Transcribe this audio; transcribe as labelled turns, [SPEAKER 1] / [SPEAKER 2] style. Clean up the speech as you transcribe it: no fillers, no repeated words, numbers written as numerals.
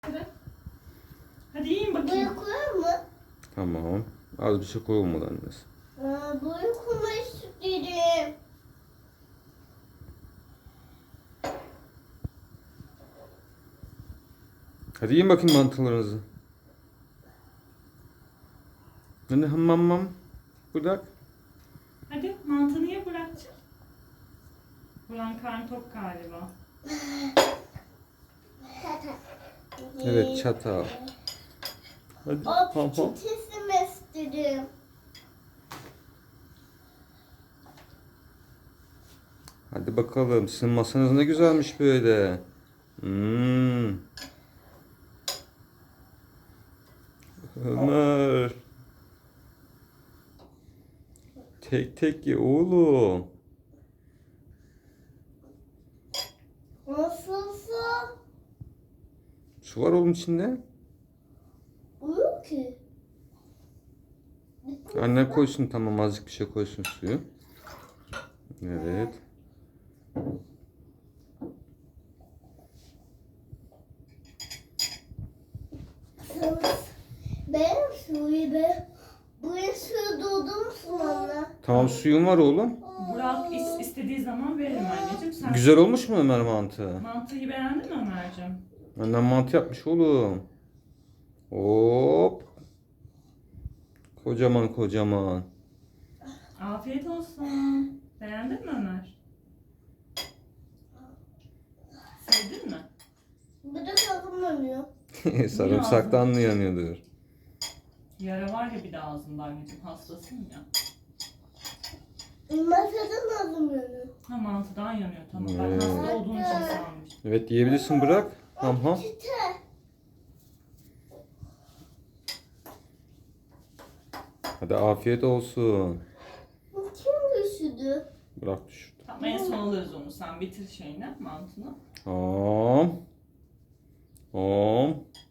[SPEAKER 1] Hadi yiyin bakayım.
[SPEAKER 2] Buraya koyar mı?
[SPEAKER 3] Tamam. Az bir şey koyulmadı annesi.
[SPEAKER 2] Buraya koymayı istedim.
[SPEAKER 3] Hadi yiyin bakayım mantılarınızı. Hadi hamam. Bırak.
[SPEAKER 1] Hadi mantını ye Burak'cığım. Burak'ın karnı tok galiba.
[SPEAKER 3] Evet çatal. Hadi
[SPEAKER 2] O
[SPEAKER 3] ham.
[SPEAKER 2] peçetesini istedim.
[SPEAKER 3] Hadi bakalım. Sizin masanız ne güzelmiş böyle. Ömer. Tek tek ye oğlum.
[SPEAKER 2] Nasılsa
[SPEAKER 3] Su var oğlum içinde.
[SPEAKER 2] uyuyor ki.
[SPEAKER 3] Anne koysun, tamam, azıcık bir şey koysun suyu. Evet.
[SPEAKER 2] Benim suyu be. Buraya suyu doldurmuşsun anne.
[SPEAKER 3] Tamam, suyun var oğlum.
[SPEAKER 1] Burak istediği zaman veririm anneciğim. Sen
[SPEAKER 3] Güzel olmuş mu Ömer mantı?
[SPEAKER 1] mantıyı beğendin mi Ömerciğim?
[SPEAKER 3] Annem mantı yapmış oğlum. Hop. Kocaman kocaman.
[SPEAKER 1] Afiyet olsun. Beğendin mi Ömer? Sevdin mi?
[SPEAKER 2] Bir de kalkınmıyor.
[SPEAKER 3] Sarımsaktan mı yanıyordur?
[SPEAKER 1] Yara var ya bir de ağzında anneciğim. Hastasın ya.
[SPEAKER 2] Masadan alınmıyor.
[SPEAKER 1] Ha mantıdan yanıyor, tamam. Ben
[SPEAKER 3] Evet.
[SPEAKER 1] hasta olduğun için sanmıştım.
[SPEAKER 3] Evet, yiyebilirsin, bırak. Ham.
[SPEAKER 2] Peçete.
[SPEAKER 3] Hadi afiyet olsun.
[SPEAKER 2] Bu kim düşürdü?
[SPEAKER 3] Bırak düşürdü.
[SPEAKER 1] Tamam, en son alırız onu. Sen bitir şeyini, mantını.
[SPEAKER 3] Ham.